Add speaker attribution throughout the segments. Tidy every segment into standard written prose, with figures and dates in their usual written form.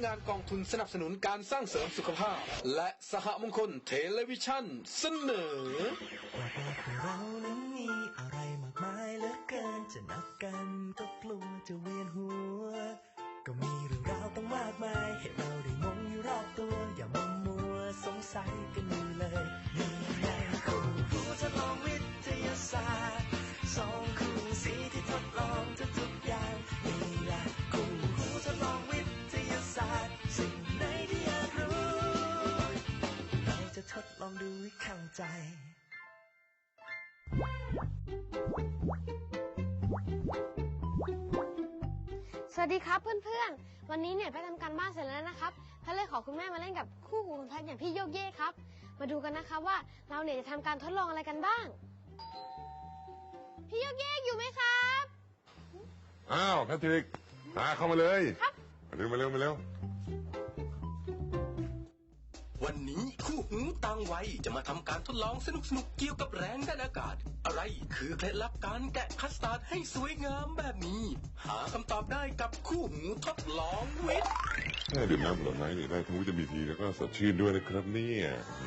Speaker 1: งานกองทุนสนับสนุนการสร้างเสริมสุขภาพและสหมงคลเทเลวิชั่นเสนอ
Speaker 2: เรานั้นมีอะไรมากมายเหลือเกินจะนับกันก็กลัวจะเวียนหัวก็มีเรื่องราวต้องมากมายให้เราได้งงอยู่รอบตัวอย่ามัวสงสัยกันอยู่เลยนี่ไงคู่หูทดลองวิทยาศาสตร์สองคู่สีที่ทดลองทุกอย่างนี่แหละคู่หูทดลองวิทยาศาสตร์สิ่งไหนที่อยากรู้เราจะทดลองดูให้เข้าใจ
Speaker 3: สวัสดีครับเพื่อนๆวันนี้เนี่ยไปทำการบ้านเสร็จแล้วนะครับท่านเลยขอคุณแม่มาเล่นกับคู่หูของท่านอย่างพี่โยกเย่ครับมาดูกันนะครับว่าเราเนี่ยจะทำการทดลองอะไรกันบ้างพี่โยกเย่อยู่ไหมครับ
Speaker 4: อ้าวแพทริกเข้ามาเลย
Speaker 3: ครับ
Speaker 4: มาเร็ว
Speaker 1: วันนี้คู่หูต่างวัยจะมาทำการทดลองสนุกๆเกี่ยวกับแรงดันอากาศอะไรคือเคล็ดลับการแกะคัสตาร์ดให้สวยงามแบบนี้หาคำตอบได้กับคู่หูทดลองวิทย์
Speaker 4: ดื่มน้ำผลไม้ได้ทั้งวิตามินซีแล้วก็สดชื่นด้วยนะครับเนี่ย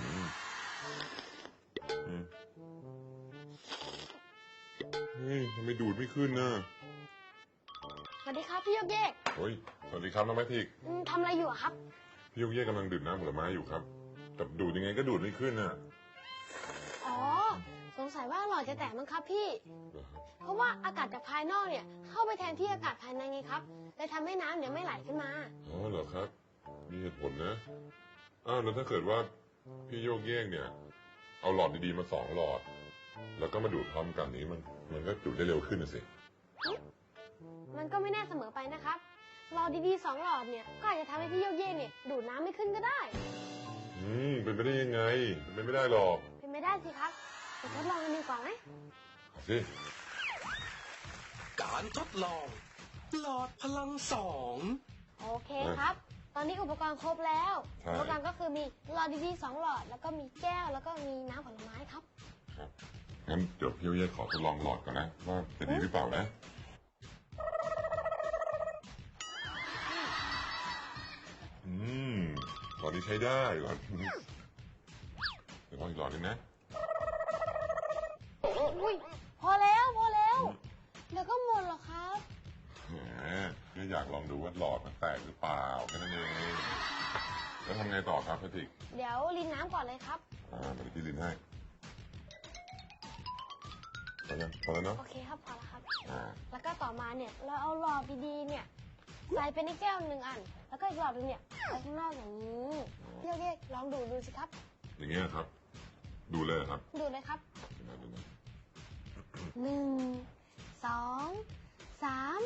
Speaker 4: ทำไมดูดไม่ขึ้นนะ
Speaker 3: สวัสดีครับพี่โยกเย่
Speaker 4: โอ้ยสวัสดีครับน้องแพทริก
Speaker 3: ทำอะไรอยู่ครับ
Speaker 4: พี่โยกเย่กำลังดื่มน้ำผลไม้อยู่ครับแต่ดูดยังไงก็ดูดไม่ขึ้นน่ะ
Speaker 3: อ๋อสงสัยว่าหลอดจะแตกมั้งครับพี่เพราะว่าอากาศจากภายนอกเนี่ยเข้าไปแทนที่อากาศภายในไงครับเลยทำให้น้ำเนี่ยไม่ไหลขึ้นมา
Speaker 4: อ๋อเหรอครับมีเหตุผลนะแล้วถ้าเกิดว่าพี่โยกเย่เนี่ยเอาหลอดดีๆมา2หลอดแล้วก็มาดูดพร้อมกันนี้มันก็ดูดได้เร็วขึ้นนะสิ
Speaker 3: มันก็ไม่แน่เสมอไปนะครับหลอดดีๆ2หลอดเนี่ยก็อาจจะทำให้พี่โยกเย่เนี่ยดูดน้ำไม่ขึ้นก็ได้
Speaker 4: เป็นไปได้ยังไงเป็นไม่ได้หรอก
Speaker 3: เป็นไม่ได้สิครับไปทดลองกันดีกว่าไหม
Speaker 4: สิ
Speaker 1: การทดลองหลอดพลัง2
Speaker 3: โอเคครับตอนนี้อุปกรณ์ครบแล้วอุปกรณ์ก็คือมีหลอดดีๆ2หลอดแล้วก็มีแก้วแล้วก็มีน้ำผลไม้ครับ
Speaker 4: ครับงั้นเดี๋ยวพี่โยกเย่ขอทดลองหลอดก่อนนะว่าจะดีหรือเปล่านะหลอดนี้ใช้ได้หลอดเดี๋ยวลองอีกหลอดนึงนะ
Speaker 3: อุ้ยพอแล้วเดี๋ยวก็หมดหรอกครับ
Speaker 4: แค่อยากลองดูว่าหลอดมันแตกหรือเปล่าแค่นั้นเองแล้วทำไงต่อครับแพทริก
Speaker 3: เดี๋ยวรินน้ำก่อนเลยครับ
Speaker 4: มาที่รินให้พอแล้วเนาะ
Speaker 3: โอเคครับพอแล้วครับแล้วก็ต่อมาเนี่ยเราเอาหลอดดีๆเนี่ยใส่ไปในแก้ว1 อันแล้วก็อีกหลอดนึงเนี่ยไปข้างนอกอย่างนี้พี่โยกเย่ลองดูสิครับ
Speaker 4: อย่างเงี้ยครับดูเลยครับ
Speaker 3: ดูเลยครับ1 2 3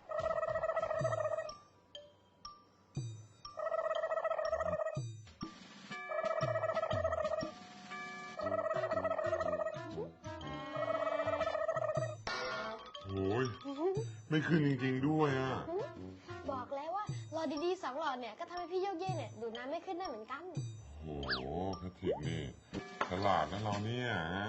Speaker 4: โอ้ยไม่ขึ้นจริงๆด้วยอ่ะ
Speaker 3: บอกแล้วว่าหลอดดีๆ2หลอดเนี่ยก็ทำให้พี่โยกเย่เนี่ยดูดน้ำไม่ขึ้นได้เหมือนกัน
Speaker 4: โอ้โหแพทริกนี่ฉลาดนะเราเนี่ย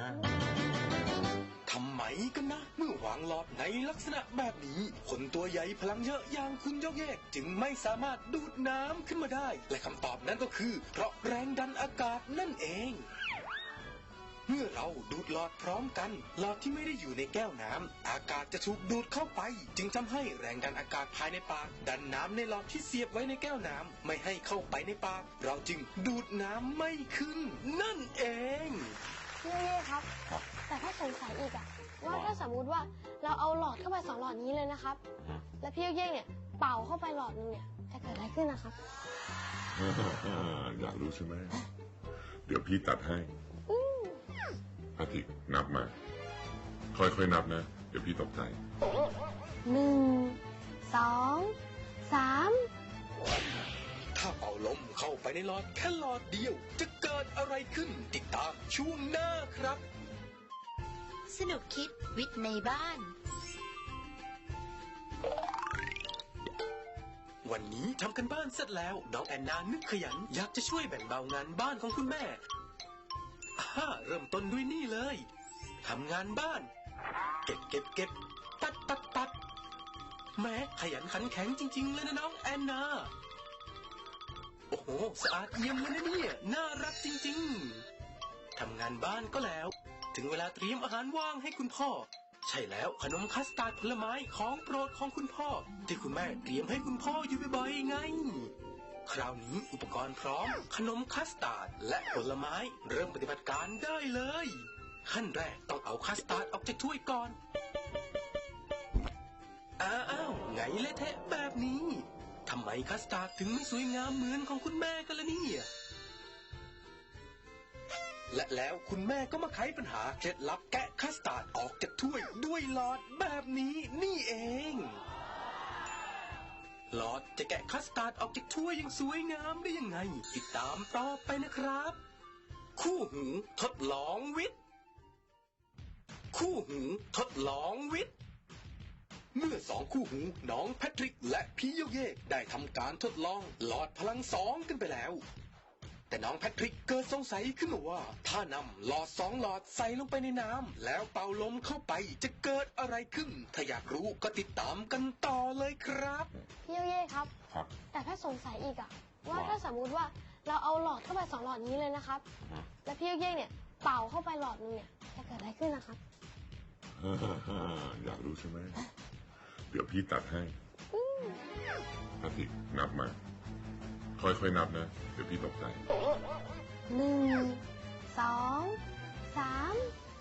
Speaker 1: ทำไมกันนะเมื่อวางหลอดในลักษณะแบบนี้คนตัวใหญ่พลังเยอะอย่างคุณโยกเย่จึงไม่สามารถดูดน้ำขึ้นมาได้และคำตอบนั้นก็คือเพราะแรงดันอากาศนั่นเองเมื่อเราดูดหลอดพร้อมกันหลอดที่ไม่ได้อยู่ในแก้วน้ำอากาศจะถูกดูดเข้าไปจึงทำให้แรงดันอากาศภายในปากดันน้ำในหลอดที่เสียบไว้ในแก้วน้ำไม่ให้เข้าไปในปากเราจึงดูดน้ำไม่ขึ้นนั่นเอง
Speaker 3: พี่โยกเย่ครับแต่ถ้าสงสัยอีกอะว่าถ้าสมมุติว่าเราเอาหลอดเข้าไป2หลอดนี้เลยนะครับแล้วพี่โยกเย่เนี่ยเป่าเข้าไปหลอดนึงเนี่ยจะเกิดอะไรขึ้นนะครับ
Speaker 4: อยากรู้ใช่ไหมเดี๋ยวพี่ตัดให้แพทริกนับมาค่อยๆนับนะเดี๋ยวพี่ตกใจ
Speaker 3: 1 2 3
Speaker 1: ถ้าเป่าลมเข้าไปในหลอดแค่หลอดเดียวจะเกิดอะไรขึ้นติดตามช่วงหน้าครับ
Speaker 5: สนุกคิดวิทย์ในบ้าน
Speaker 1: วันนี้ทำกันบ้านเสร็จแล้วน้องแอนนานึกขยันอยากจะช่วยแบ่งเบางานบ้านของคุณแม่เริ่มต้นด้วยนี่เลยทำงานบ้านเก็บตัดแม้ขยันขันแข็งจริงๆเลยนะน้องแอนนาสะอาดเยี่ยมเลยนะเนี่ยน่ารักจริงๆทำงานบ้านก็แล้ว ถึงเวลาเตรียมอาหารว่างให้คุณพ่อ ใช่แล้วขนมคัสตาร์ดผลไม้ของโปรดของคุณพ่อ ที่คุณแม่เตรียมให้คุณพ่ออยู่บ่อยๆไง คราวนี้อุปกรณ์พร้อมขนมคัสตาร์ดและผลไม้เริ่มปฏิบัติการได้เลย ขั้นแรกต้องเอาคัสตาร์ดออกจากถ้วยก่อนอ้าวไงเละเทะแบบนี้ทำไมคัสตาร์ดถึงไม่สวยงามเหมือนของคุณแม่กันล่ะเนี่ยและแล้วคุณแม่ก็มาไขปัญหาเคล็ดลับแกะคัสตาร์ดออกจากถ้วยด้วยหลอดแบบนี้นี่เองหลอดจะแกะคัสตาร์ดออกจากถ้วยอย่างสวยงามได้ยังไงติดตามต่อไปนะครับ คู่หูทดลองวิทย์คู่หูทดลองวิทย์เมื่อสองคู่หูน้องแพทริกและพี่โยเย่ได้ทำการทดลองหลอดพลัง2กันไปแล้วแต่น้องแพทริกเกิดสงสัยขึ้นมาว่าถ้านำหลอด2หลอดใส่ลงไปในน้ำแล้วเป่าลมเข้าไปจะเกิดอะไรขึ้นถ้าอยากรู้ก็ติดตามกันต่อเลยครับ
Speaker 3: พี่โยเย่ครับ
Speaker 4: ครับ
Speaker 3: แต่แพทย์สงสัยอีกอะว่า
Speaker 4: ว่า
Speaker 3: ถ้าสมมุติว่าเราเอาหลอดเข้าไป2หลอดนี้เลยนะครับ แล้วพี่โยเย่เนี่ยเป่าเข้าไปหลอดนึงเนี่ยจะเกิดอะไรขึ้นนะครับ
Speaker 4: อยากรู้ใช่ไหม เดี๋ยวพี่ตัดให้พาทิกนับมา ค่อยๆนับนะ เดี๋ยวพี่ตกใจ
Speaker 3: 1 2 3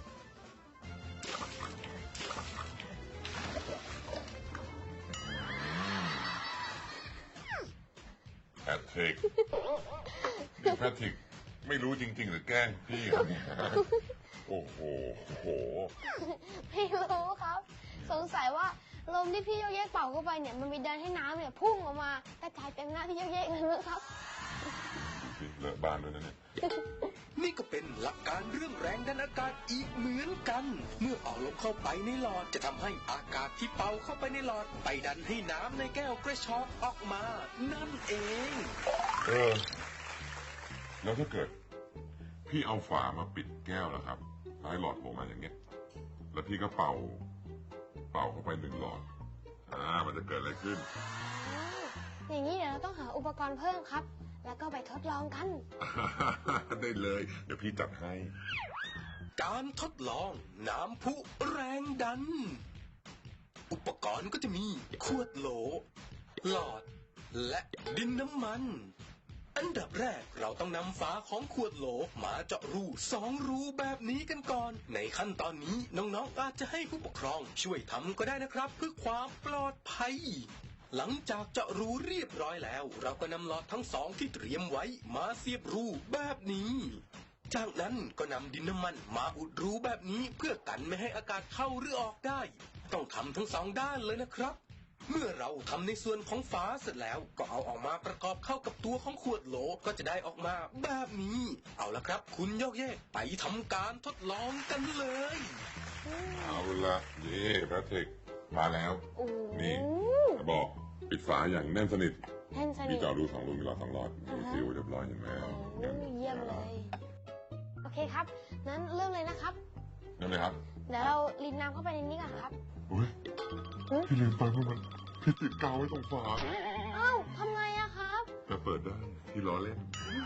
Speaker 4: แพทริกนี่แพทริกไม่รู้จริงๆหรือแกล้งพี่ครับเนี่ยโอ้โห
Speaker 3: ไม่รู้ครับ สงสัยว่าลมที่พี่โยเย่เป่าเข้าไปเนี่ยมันไปดันให้น้ำเนี่ยพุ่งออกมากระจายเต็มหน้าพี่โยเย่เลยนะครับ
Speaker 4: เลอะบ้านด้วยนะเนี่ย
Speaker 1: นี่ก็เป็นหลักการเรื่องแรงดันอากาศอีกเหมือนกัน เมื่อเป่าลมเข้าไปในหลอดจะทำให้อากาศที่เป่าเข้าไปในหลอดไปดันให้น้ำในแก้วกระชอกออกมา นั่นเอง
Speaker 4: แล้วถ้าเกิด พี่เอาฝามาปิดแก้วแล้วครับแล้วให้หลอดโผล่มาอย่างเงี้ย แล้วพี่ก็เป่าเข้าไป1หลอด มันจะเกิดอะไรขึ้น
Speaker 3: อย่างนี้เดี๋ยวเราต้องหาอุปกรณ์เพิ่มครับ แล้วก็ไปทดลองกัน
Speaker 4: ได้เลย เดี๋ยวพี่จัดให้
Speaker 1: การทดลองน้ำพุแรงดัน อุปกรณ์ก็จะมีขวดโหล หลอด และดินน้ำมัน อันดับแรกเราต้องนำฝาของขวดโหลมาเจาะรู2รูแบบนี้กันก่อน ในขั้นตอนนี้น้องๆอาจจะให้ผู้ปกครองช่วยทำก็ได้นะครับเพื่อความปลอดภัย หลังจากเจาะรูเรียบร้อยแล้ว เราก็นำหลอดทั้ง2ที่เตรียมไว้มาเสียบรูแบบนี้ จากนั้นก็นำดินน้ำมันมาอุดรูแบบนี้เพื่อกันไม่ให้อากาศเข้าหรือออกได้ ต้องทำทั้ง2ด้านเลยนะครับ เมื่อเราทำในส่วนของฝาเสร็จแล้วก็เอาออกมาประกอบเข้ากับตัวของขวดโหลก็จะได้ออกมาแบบนี้ เอาละครับคุณโยกเย่ไปทำการทดลองกันเลย
Speaker 4: เอาละนี่แพทริกมาแล้ว
Speaker 3: โอ้
Speaker 4: นี่บอกปิดฝาอย่างแน่นสนิท
Speaker 3: แน่นสนิ
Speaker 4: พี่
Speaker 3: ท
Speaker 4: จะเอาดู2รูมีหลอด2หลอดดูซิวเรียบร้อยเห็นไหม
Speaker 3: โอ้เยี่ยมเลย โอเคครับ นั้นเริ่มเลยนะครับ
Speaker 4: นั่นเลยครับ
Speaker 3: เดี๋ยวเราลินน้ำเข้าไปในนี้ก่อนครับ
Speaker 4: อุ้ยพี่ลืมไปว่ามันพี่ติดกาวไว้ตรงฝา
Speaker 3: เอ้าทำไงอะครับ
Speaker 4: แต่เปิดได้ที่ล้อเล่น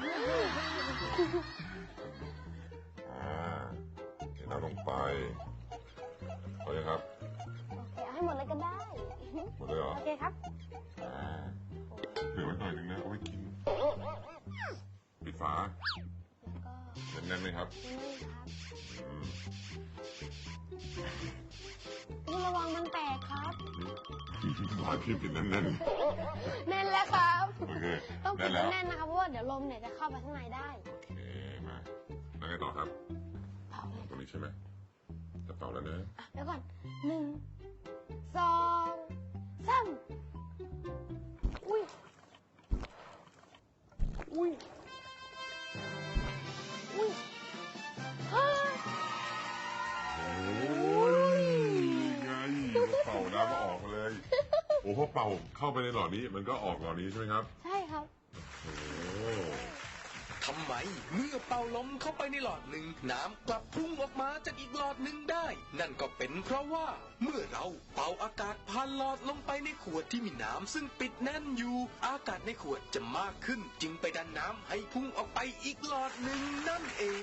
Speaker 4: เทน้ำลงไปพอยังครับ
Speaker 3: โอเคเอาให้หมดเลยก็ได้
Speaker 4: หมดเลยเหรอ
Speaker 3: โอเคครับ
Speaker 4: เหลือไว้หน่อยนึงนะเอาไว้กินปิดฝา
Speaker 3: แล้วก็
Speaker 4: แน่นๆเลยครับ
Speaker 3: นี่ครับ
Speaker 4: อืม
Speaker 3: พี่ระวังมันแตกครับ
Speaker 4: ฝาพี่ปิดแน่น
Speaker 3: แน่นแล้วครับ
Speaker 4: ๆโอเค
Speaker 3: ต้องปิ
Speaker 4: แน่
Speaker 3: ด
Speaker 4: นแล้ว
Speaker 3: แน่นนะครับเพราะว่าเดี๋ยวลมเนี่ยจะเข้าไปข้างในได้
Speaker 4: โอเคมาแล้วไงต่อครับ
Speaker 3: เป่าเลย
Speaker 4: ตรงนี้ใช่ไหมจะเป่าแล้วนะ
Speaker 3: อ่ะเดี๋ยวก่อน1 2 3อุ้ยอุ้ยอุ้ยเฮ้ย
Speaker 4: โอ้ยไงเป่าน้ำออกเลย โอ้พอเป่าเข้าไปในหลอดนี้มันก็ออกหลอดนี้ใช่ไหมครับ
Speaker 3: ใช่ครับ
Speaker 4: โอ้
Speaker 1: ททำไมเมื่อเป่าลมเข้าไปในหลอดหนึ่งน้ำกลับพุ่งออกมาจากอีกหลอดหนึ่งได้นั่นก็เป็นเพราะว่าเมื่อเราเป่าอากาศผ่านหลอดลงไปในขวดที่มีน้ำซึ่งปิดแน่นอยู่อากาศในขวดจะมากขึ้นจึงไปดันน้ำให้พุ่งออกไปอีกหลอดหนึ่งนั่นเอง